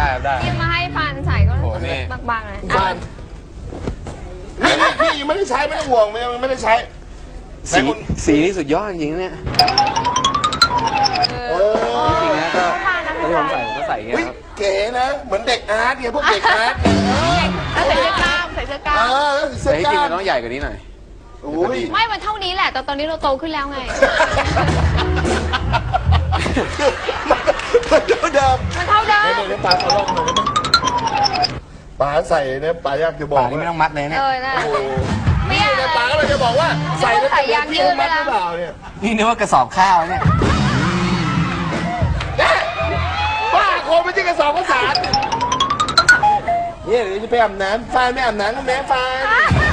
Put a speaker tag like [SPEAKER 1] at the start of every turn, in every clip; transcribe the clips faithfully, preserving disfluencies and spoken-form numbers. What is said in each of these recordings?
[SPEAKER 1] ได้ได้
[SPEAKER 2] ที่มาให้ฟันใส่ก็
[SPEAKER 1] โอ้นี่
[SPEAKER 2] บางๆเลย
[SPEAKER 3] ฟันนี่พี่ยังไม่ได้ใช้ไม่ต้องห่วงยังไม่ได้ใช้
[SPEAKER 1] สีสีนี่สุดยอดจริงๆเนี่ย
[SPEAKER 3] เออ
[SPEAKER 1] จริงๆนะก็ที่ผมใส่ผมก็ใส่อย่างเงี้ย
[SPEAKER 3] เฮ้ย
[SPEAKER 1] ครับ
[SPEAKER 3] เก๋นะเหมือนเด็กอาร์ตเนี่ยพวกเด็กอาร์ต
[SPEAKER 4] ใส่เสื้อกล้ามใส่เสื้อกล้า
[SPEAKER 3] เอ
[SPEAKER 4] ม
[SPEAKER 3] อเสื้
[SPEAKER 1] แต่
[SPEAKER 3] อ
[SPEAKER 1] ที่
[SPEAKER 3] ก
[SPEAKER 1] จริง
[SPEAKER 3] ล้า
[SPEAKER 1] มัน
[SPEAKER 3] ม
[SPEAKER 1] ต้องใหญ่กว่านี้หน่อย
[SPEAKER 3] โอ้ย
[SPEAKER 2] ไม่มันเท่านี้แหละแต่ตอนนี้เราโตขึ้นแล้วไง
[SPEAKER 3] มันเท่าเดิม
[SPEAKER 2] มันเท่าเดิม
[SPEAKER 3] เดี๋ยวเดี๋ยวปลาขอลองหน่อยได้ไหมปลาใส่เนี่ยปลายากจะบอก
[SPEAKER 1] ป่านี่ไม่ต้องมัดเลยเนี่ย
[SPEAKER 2] เออนะ
[SPEAKER 3] โอ้โห
[SPEAKER 2] ไม่
[SPEAKER 3] นี่
[SPEAKER 2] อยาก
[SPEAKER 3] เนี่ยปลาก็เลยจะบอกว่าใส่แล้ว
[SPEAKER 2] ใส่
[SPEAKER 3] จะ
[SPEAKER 2] ยางยืด
[SPEAKER 3] มัด
[SPEAKER 2] ไป
[SPEAKER 3] ห
[SPEAKER 2] แล้ว
[SPEAKER 3] รือเปล่าเนี่ย
[SPEAKER 1] นี่นึกว่ากระสอบข้าวเนี่ย
[SPEAKER 3] เนี่ยบ้าโคไม่ใช่กระสอบข้าวสารเนี่ยเดี๋ยวจะไปอาบน้ำฟานไม่อาบน้ำก็แม่ฟาน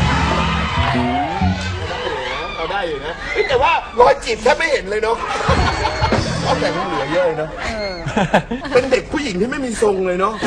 [SPEAKER 3] เอาได้อยู่นะเฮ้ยแต่ว่ารอยจีบแทบไม่เห็นเลยเนาะก็แต่งเหลือเยอะเลยเนาะเป็นเด็กผู้หญิงที่ไม่มีทรงเลยเนาะ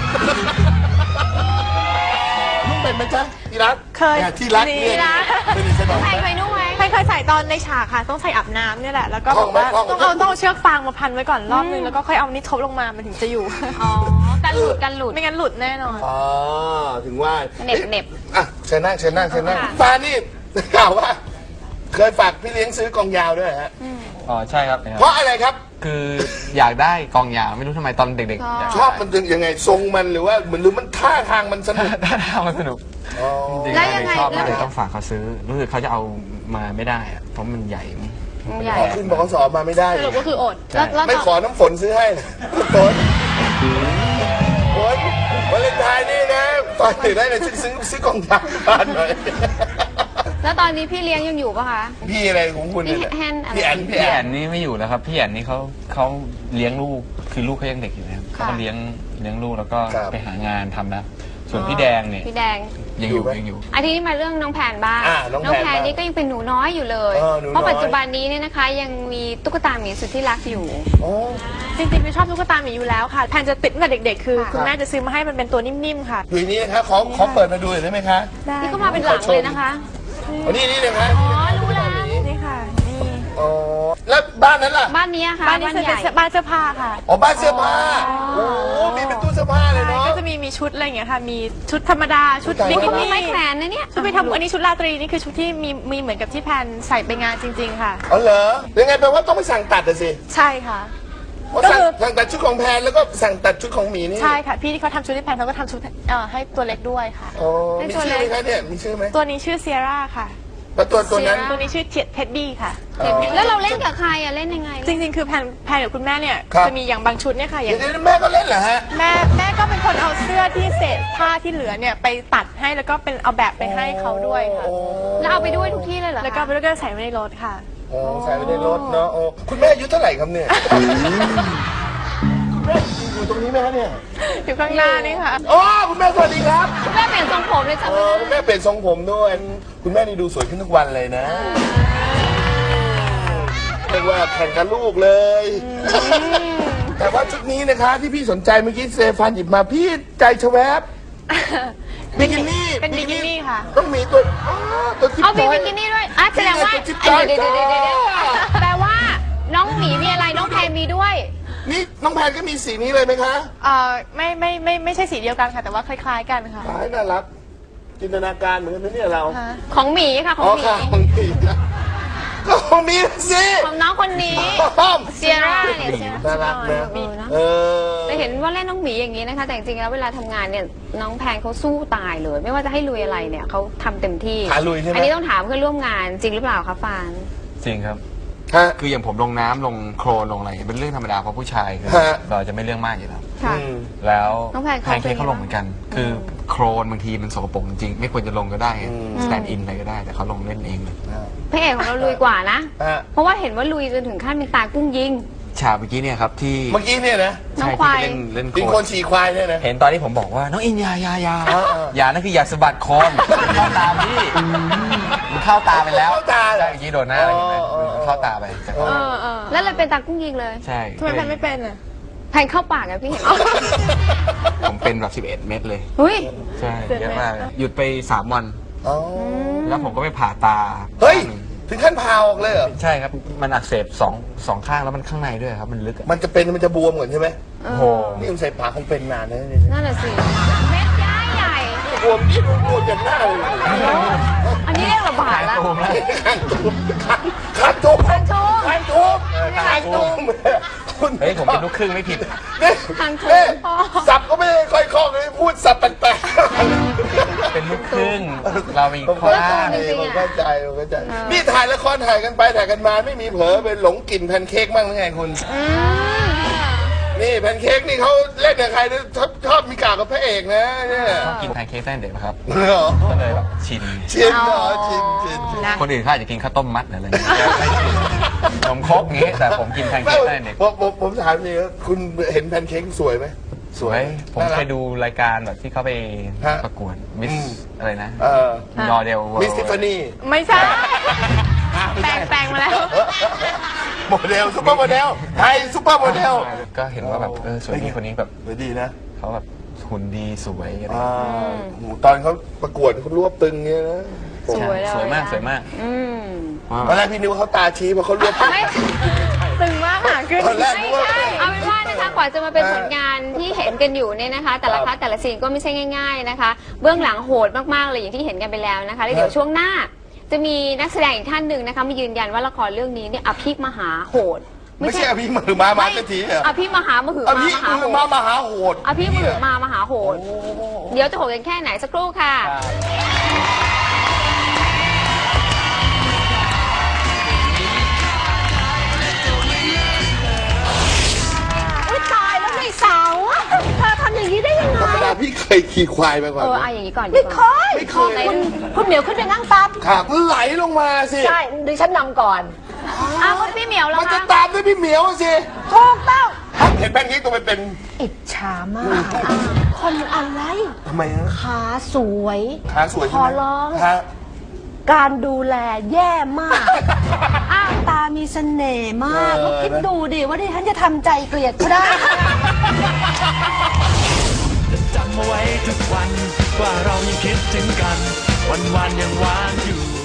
[SPEAKER 3] นุ่งเป็นไหมจ๊ะที่รัก
[SPEAKER 4] เคย
[SPEAKER 3] นี่ที่รักเนี่ย
[SPEAKER 4] ที่รัก
[SPEAKER 3] ไม่ได้ใช่ไหม
[SPEAKER 2] ใครเคยนุ่งไหม
[SPEAKER 4] ใครเคยใส่ตอนในฉากค่ะ ต้องใส่อาบน้ำเนี่ยแหละ แล้วก็
[SPEAKER 3] ท่
[SPEAKER 4] บ
[SPEAKER 3] อ
[SPEAKER 4] อง ก
[SPEAKER 3] ไหม
[SPEAKER 4] ว่า
[SPEAKER 3] ท่องไหม
[SPEAKER 4] ต้องเอาต้องเอาเชือกฟางมาพันไว้ก่อนรอบนึง แล้วก็ค่อยเอานี้ทบลงมา มันถึงจะอยู่
[SPEAKER 2] อ๋อกันหลุดกันหลุด
[SPEAKER 4] ไม่งั้นหลุดแน่นอน
[SPEAKER 3] อ๋อถึงว่า
[SPEAKER 2] เหน็บเหน็บ
[SPEAKER 3] อ่ะเชิญนั่งเชิญนั่งเชิญนั่ง
[SPEAKER 2] ค่ะ
[SPEAKER 3] ฟ้านี่ข่าวว่า เคยฝากพี่เลี้ยงซื้อกองยาวด้วยฮะ
[SPEAKER 1] อ๋อใช่ครับ
[SPEAKER 3] เพราะอะไรครับ
[SPEAKER 1] คืออยากได้กองยาวไม่รู้ทำไมตอนเด็กๆอยาก
[SPEAKER 3] ชอบมันยังไงทรงมันหรือว่าเหมือนหรือมันท่าทางมันสนุก
[SPEAKER 1] ได้ทำมันสนุก
[SPEAKER 3] อ๋อ
[SPEAKER 1] จริงๆ
[SPEAKER 2] แล้วยังไง
[SPEAKER 1] ชอบมาก
[SPEAKER 2] แล้ว
[SPEAKER 1] เลยต้องฝากเขาซื้อรู้สึกเขาจะเอามาไม่ได้อะเพราะมันใหญ่
[SPEAKER 2] มันใหญ่
[SPEAKER 3] ขอขึ้นบกสมาไม่ได้
[SPEAKER 4] สรุปก็คืออด
[SPEAKER 2] แล้วแล้ว
[SPEAKER 3] ไม่
[SPEAKER 2] ตอน
[SPEAKER 3] ขอน้ำฝนซื้อให้นะฝนฝนวาเลนไทน์นี่นะตอนถึงได้เลยซื้อซื้อซื้อกองยาวบ้านหน่อย
[SPEAKER 2] แล้วตอนนี้พี่เลี้ยงยังอยู่ปะคะ
[SPEAKER 3] พี่อะไรของคุณเนี่ย
[SPEAKER 2] พี่แฮนอะไร
[SPEAKER 3] พี่แอน
[SPEAKER 1] พี่แอนนี่ไม่อยู่แล้วครับพี่แอนนี่เขาเขาเลี้ยงลูกคือลูกเขายังเด็กอยู่นะครับเขาก็เลี้ยงเลี้ยงลูกแล้วก็ไปหางานทำนะส่วนพี่แดงเนี่ย
[SPEAKER 2] พี่แดง
[SPEAKER 1] ยังอยู่ยังอยู่
[SPEAKER 2] อันนี้มาเรื่องน้องแพนบ้าง
[SPEAKER 3] อ่าน้องแพน
[SPEAKER 2] แพนนี่ก็ยังเป็นหนูน้อยอยู่เลย
[SPEAKER 3] เออหนูน้อย
[SPEAKER 2] เพราะปัจจุบันนี้เนี่ยนะคะ ยังมีตุ๊กตาหมีสุดที่รักอยู่
[SPEAKER 3] โอ้
[SPEAKER 4] จริงๆไม่ชอบตุ๊กตาหมีอยู่แล้วค่ะ แพนจะติดตั้งแต่เด็กๆ คือ
[SPEAKER 2] ค่ะ
[SPEAKER 4] คุณแม่จะซื้อมาให้มันเป็นตัวนิ่มๆ ค่ะ
[SPEAKER 3] อยู่นี่นะคะขอขอเปิดมาดูหน่อยได้ไหมคะ
[SPEAKER 4] ได้
[SPEAKER 2] นี่ก็มาเป็นหลังเลยนะคะ
[SPEAKER 3] อ๋อนี่นี่นะคะ
[SPEAKER 2] อ๋อ รู้แล้ว
[SPEAKER 4] นี่ค่ะ นี่
[SPEAKER 3] อ๋อแล้วบ้านนั้นล่ะ
[SPEAKER 2] บ้านนี้ค่ะ
[SPEAKER 4] บ้านนี้จะ
[SPEAKER 2] ให
[SPEAKER 4] เป็น
[SPEAKER 2] ญ่
[SPEAKER 4] เสื้อบ้านเสื้อผ้าค่ะ
[SPEAKER 3] อ๋อบ้านเสื้อผ้าโอ้โหมีเป็นตู้เสื้อผ้าเลยเนาะ
[SPEAKER 4] ก็จะมีมีชุดอะไรอย่างเงี้ยค่ะ มีชุดธรรมดา ชุด
[SPEAKER 3] ชุด
[SPEAKER 4] บิ
[SPEAKER 3] ธรรมดา
[SPEAKER 4] กินี่
[SPEAKER 2] ไม้แขวนนะเนี่ย
[SPEAKER 4] ชุดไปทำอันนี้ชุดราตรีนี่คือชุดที่มีมีเหมือนกับที่แพนใส่ไปงานจริง ๆ ค่ะ
[SPEAKER 3] อ๋อเหรอยังไงแปลว่าต้องไปสั่งตัดอะสิ
[SPEAKER 4] ใช่ค่ะ
[SPEAKER 3] เพราะ
[SPEAKER 4] ก็
[SPEAKER 3] สั่ง
[SPEAKER 4] คือ
[SPEAKER 3] สั่งตัดชุดของแพนแล้วก็สั่งตัดชุดของหมีนี่
[SPEAKER 4] ใช่ค่ะ พี่ที่เขาทำชุดให้แพนเขาก็ทำชุดเอ่อให้ตัวเล็กด้วยค่ะ
[SPEAKER 3] อ๋อมีชื่อไหมคะเนี่ยมีชื่อไหม
[SPEAKER 4] ตัวนี้ชื่อเซียร่าค่ะ
[SPEAKER 3] แล้วตัวตัวนั้น
[SPEAKER 4] ตัวนี้ชื่อเท็ดดี้ค่ะ
[SPEAKER 3] อ๋อ
[SPEAKER 2] แล้วเราเล่นกับใครอะเล่นยังไง
[SPEAKER 4] จริงๆ คือแพนแพนกับคุณแม่เนี่ย
[SPEAKER 3] ครับ
[SPEAKER 4] จะมีอย่างบางชุดเนี่ยค่ะ อย่า
[SPEAKER 3] เดี๋
[SPEAKER 4] ง
[SPEAKER 3] ยวนี้แม่ก็เล่นเหรอฮะ
[SPEAKER 4] แม่แม่ก็เป็นคนเอาเสื้อที่เศษผ้าที่เหลือเนี่ยไปตัดให้แล้วก็เป็นเอาแบบไปให้เขาด้วยค่ะ
[SPEAKER 3] โอ้
[SPEAKER 2] แล้วเอาไปด้วยทุกที่เลยเหรอคะ
[SPEAKER 4] แล้วก็แล้วก็ใส่ไว้ในรถค่ะ
[SPEAKER 3] โอ้ใส่ไว้ในรถเนาะโอ้คุณแม่อายุเท่าไหร่ครับเนี่ยคุณแม่อยู่ตรงนี้ไหมคะเนี่ย
[SPEAKER 4] อยู่ข้างหน้านี่ค่ะ
[SPEAKER 3] อ๋อคุณแม่สวัสดีครับ
[SPEAKER 2] คุณแม่เปลี่ยนทรงผมเลยจ้ะ
[SPEAKER 3] เออคุณแม่เปลี่ยนทรงผมด้วย คุณแม่นี่ดูสวยขึ้นทุกวันเลยนะเรียกว่าแข่งกับลูกเลย แต่ว่าชุดนี้นะคะที่พี่สนใจเมื่อกี้เซฟานหยิบมาพี่ใจชะแวบบิกินี่
[SPEAKER 4] เป็นบิกินี่ค่ะ
[SPEAKER 3] ต้องมีตัวอ๋อตัวจิ๊บ
[SPEAKER 2] เอาบิ
[SPEAKER 3] จอย
[SPEAKER 2] กินี่ด้วยอ่ะแสดงว่า
[SPEAKER 3] นี่ไงตัวจิ๊บจอย
[SPEAKER 2] เดี๋ยวเดี๋ยวเดี๋ยวเดี๋ยวแปลว่าน้องหมีมีอะไรน้องแพนมีด้วย
[SPEAKER 3] นี่น้องแพนก็มีสีนี้เลยไหมคะ
[SPEAKER 4] เอ่อไม่ไม่ไม่ไม่ใช่สีเดียวกันค่ะ แต่ว่าคล้ายๆกันค่ะ
[SPEAKER 3] คล้ายน่ารัก จินตนาการเหมือนกันนะเนี่ยเรา
[SPEAKER 4] ฮะ
[SPEAKER 2] ของหมีค่ะขอ
[SPEAKER 3] อ๋
[SPEAKER 2] ง
[SPEAKER 3] อ
[SPEAKER 2] หมี
[SPEAKER 3] ค่ะของมีนะก็ของมีสิ
[SPEAKER 2] ของน้องคนนี้
[SPEAKER 3] ป้อม
[SPEAKER 2] เซียร่าเนี่ยเซียร่า
[SPEAKER 3] น่ารักนะ
[SPEAKER 2] เออเนอะ
[SPEAKER 3] เออ
[SPEAKER 2] แต่เห็นว่าเล่นน้องหมีอย่างนี้นะคะ แต่จริงๆแล้วเวลาทำงานเนี่ยน้องแพนเขาสู้ตายเลย ไม่ว่าจะให้ลุยอะไรเนี่ยเขาทำเต็มที่
[SPEAKER 3] ขาลุยใช่ไหม
[SPEAKER 2] อันนี้ต้องถามเพื่อนร่วมงานจริงหรือเปล่าคะฟาน
[SPEAKER 1] จริงครับ
[SPEAKER 3] ฮะ
[SPEAKER 1] คืออย่างผมลงน้ำลงโคลนลงอะไรเป็นเรื่องธรรมดาเพราะผู้ชายคือ
[SPEAKER 3] ฮะ
[SPEAKER 1] เราจะไม่เรื่องมากอยู่แล้ว
[SPEAKER 2] ค่ะ
[SPEAKER 3] อืม
[SPEAKER 1] แล้ว
[SPEAKER 2] น้องแพนเขา
[SPEAKER 1] แพนเค้กเขาลงเหมือนกัน คือโครนบางทีมันสกปรกจริงๆไม่ควรจะลงก็ได้สแตนด์อินอะไรก็ได้แต่เขาลงเล่นเองเลย
[SPEAKER 2] พระเอกของเราลุยกว่านะ
[SPEAKER 3] ฮะ
[SPEAKER 2] เพราะว่าเห็นว่าลุยจนถึงขั้นเป็นตากุ้งยิง
[SPEAKER 1] ฉากเมื่อกี้เนี่ยครับที่
[SPEAKER 3] เมื่อกี้เนี่ยนะ
[SPEAKER 2] น้อง
[SPEAKER 1] ใช่
[SPEAKER 2] ควาย
[SPEAKER 1] ที่ไปเล่นเล่นโค
[SPEAKER 3] เป็น
[SPEAKER 1] ล
[SPEAKER 3] คน
[SPEAKER 1] น
[SPEAKER 3] ฉี่ควายเนี่ยนะ
[SPEAKER 1] เห็นตอนที่ผมบอกว่าน้องอินอยาอยาอยา
[SPEAKER 3] เออเออ
[SPEAKER 1] อยานั่นคืออยากสะบัดคอมเข้าตาพี่มันเข้าตาไปแล้ว
[SPEAKER 3] เข้าตาเหรอ
[SPEAKER 1] ใช่เมื่อกี้โดนหน้าอะไรเห็นไหม
[SPEAKER 3] เออเออ
[SPEAKER 1] มันเข้าตาไปจาก
[SPEAKER 4] เออเออ
[SPEAKER 2] แล้วเลยเป็นตากุ้งยิงเลย
[SPEAKER 1] ใช่
[SPEAKER 4] ทำไมแพนไม่เป็นอ่ะ
[SPEAKER 2] แพนเข้าปากอะพี่เห็น
[SPEAKER 1] ผมเป็นแบบสิบเอ็ดเม็ดเลย
[SPEAKER 2] เฮ้ย
[SPEAKER 1] ใช่เยอะมากเลยหยุดไปสามวัน
[SPEAKER 3] อ๋อ
[SPEAKER 1] แล้วผมก็ไปผ่าตา
[SPEAKER 3] เฮ้ย
[SPEAKER 1] ข้างหนึ่ง
[SPEAKER 3] ถึงขั้นพาออกเลยเหรอ
[SPEAKER 1] ใช่ครับมันอักเสบสองสองข้างแล้วมันข้างในด้วยครับมันลึกอะ
[SPEAKER 3] มันจะเป็นมันจะบวมก่อนใช่ไหม
[SPEAKER 2] เอ
[SPEAKER 1] โอ้โห
[SPEAKER 2] อ
[SPEAKER 3] นี่มันใส่ปากคงเป็นนานนะเนี่ย
[SPEAKER 2] นั่นแหละสิเม็ดย้ายใหญ่
[SPEAKER 3] บวมที่บวมจนหน้าเลย
[SPEAKER 2] อันนี้เรียกระบาดแล้ว
[SPEAKER 1] ตูมแล้ว
[SPEAKER 3] ข้างตูมข้างตูม
[SPEAKER 2] ข้างตูม
[SPEAKER 3] ข้างตูม
[SPEAKER 1] เออข้า
[SPEAKER 3] ข้าง ง
[SPEAKER 1] ตู
[SPEAKER 3] ตู
[SPEAKER 1] ม
[SPEAKER 3] มคุณ
[SPEAKER 1] เฮ้ยผมเป็นลูกครึ่งไม่ผิด
[SPEAKER 3] นี่
[SPEAKER 2] ข้างตูม
[SPEAKER 3] นี่สับก็ไม่ได้ค่อยคล่องเลยพูดสับแปลก
[SPEAKER 1] เป็นลูกครึ่งเรามี
[SPEAKER 3] ๆผม
[SPEAKER 1] ข้อ
[SPEAKER 3] เข้า
[SPEAKER 1] อ้าง
[SPEAKER 3] ใจ
[SPEAKER 2] จริงๆ
[SPEAKER 3] ผม
[SPEAKER 2] อะ
[SPEAKER 3] เข้าใจผมเข้าใจนี่ถ่ายละครถ่ายกันไปถ่ายกันมาไม่มีเผลอเป็นหลงกลิ่นแพนเค้กบ้างหรือไงคุณ
[SPEAKER 2] อืม
[SPEAKER 3] นี่แพนเค้กนี่เขาเล่นกับใครนะชอบชอบมีกากกับพระเอกนะเนี่ย
[SPEAKER 1] ชอบกินแพนเค้กตั้งแต่เด็กนะครับ
[SPEAKER 3] เหรอ
[SPEAKER 1] ก็เลยแบบชิน
[SPEAKER 3] ชินเหรอชินชินชิน
[SPEAKER 1] คนอื่นเขาอาจจะกินข้าวต้มมัดหรืออะไรอย่างเงี้ยนมครกอย่างงี้แต่ผมกินแพนเค้กตั้งแต่เด็ก
[SPEAKER 3] ผมผมผมถามนี่คุณเห็นแพนเค้กสวยไหม
[SPEAKER 1] สวยผม
[SPEAKER 3] น่ารัก
[SPEAKER 1] เคยดูรายการแบบที่เขาไป
[SPEAKER 3] ฮะ
[SPEAKER 1] ประกวดมิส
[SPEAKER 3] อืม
[SPEAKER 1] อะไรนะ
[SPEAKER 3] เออ
[SPEAKER 1] ดอเดล
[SPEAKER 3] มิสทิฟฟานี่
[SPEAKER 4] ไม่ใช่ แปลงแปลงมาแล้ว
[SPEAKER 3] โมเดลซุปเปอร์โมเดลไทยซุปเปอร์โมเดล
[SPEAKER 1] ก็เห็นว่าแบบเออสวยดีคนนี้แบบ
[SPEAKER 3] สวยดีนะ
[SPEAKER 1] เขาแบบหุ่นดีสวยอะไร
[SPEAKER 3] อ่าโอ้โหตอนเขาประกวดเขารวบตึงเงี้ยนะ
[SPEAKER 2] สวยเลย
[SPEAKER 1] สวยมาก
[SPEAKER 2] นะ
[SPEAKER 1] สวยมาก
[SPEAKER 2] อืม
[SPEAKER 3] ตอนแรกพี่นึกว่าเขาตาชี้เพราะเขารวบตึง
[SPEAKER 2] ไม่
[SPEAKER 4] ตึงมากค่ะขึ้น
[SPEAKER 3] ตอนแรกนึ
[SPEAKER 2] ไม่
[SPEAKER 3] กว่า
[SPEAKER 2] ใช่เอาเป็นว่านะคะกว่าจะมาเป็นผลงานที่เห็นกันอยู่เนี่ยนะคะ แต่ละคัดแต่ละซีนก็ไม่ใช่ง่าย ๆนะคะ เบื้องหลังโหดมากๆเลยอย่างที่เห็นกันไปแล้วนะคะแล้วเดี๋ยวช่วงหน้า จะมีนักแสดงอีกท่านหนึ่งนะคะมายืนยันว่าละครเรื่องนี้เนี่ยอภิมหาโหด
[SPEAKER 3] ไม่ใช่อภิมือมามาสักทีเหรอ
[SPEAKER 2] อภิมหามหือ
[SPEAKER 3] อ
[SPEAKER 2] มา
[SPEAKER 3] ภิ
[SPEAKER 2] มหา
[SPEAKER 3] มื
[SPEAKER 2] โห
[SPEAKER 3] อมา
[SPEAKER 2] ด
[SPEAKER 3] มหาโหด
[SPEAKER 2] อภิมหือมามหาโหด เดี๋ยวจะโหดกันแค่ไหนสักครู่ค่ะ
[SPEAKER 5] อุ๊ยตายแล้วไอ้สาวอะเธอทำอย่างนี้ได้ยังไง
[SPEAKER 3] ธรรมดาพี่เคยขี่ควายมาก่อน
[SPEAKER 2] เออ
[SPEAKER 3] ไหม
[SPEAKER 2] เอาอย่างนี้ก่อนดี
[SPEAKER 5] ไม่
[SPEAKER 2] ก
[SPEAKER 5] เค
[SPEAKER 2] ว่าย
[SPEAKER 3] ไม่เคย
[SPEAKER 5] คุณคุณเหมียวขึ้นไปนั่งตาม
[SPEAKER 3] ครับไหลลงมาสิ
[SPEAKER 5] ใช่ดิฉันนำก่อน
[SPEAKER 2] อ้าวคุณพี่เหมียวแล้ว
[SPEAKER 3] มันจะ
[SPEAKER 2] คะ
[SPEAKER 3] ตามด้วยพี่เหมียวสิ
[SPEAKER 5] ถูกต้อง
[SPEAKER 3] เห็นแพนเค้กตัวเป็น
[SPEAKER 5] อิจฉามาก คนอะไร
[SPEAKER 3] ๆทำไมฮะ
[SPEAKER 5] ขาสวย
[SPEAKER 3] ขาสวย
[SPEAKER 5] ข
[SPEAKER 3] ใช่ไห
[SPEAKER 5] อ
[SPEAKER 3] ม
[SPEAKER 5] ร้อง
[SPEAKER 3] ฮะ
[SPEAKER 5] การดูแลแย่มากอ้างตามีเสน่ห์มาก
[SPEAKER 3] เออ
[SPEAKER 5] แล้วคิดดูดิว่าดิฉันจะทำใจเกลียดเขาได้
[SPEAKER 6] จำเอาไว้ทุกวันว่าเรายังคิดถึงกัน วันวันๆยังหวานอยู่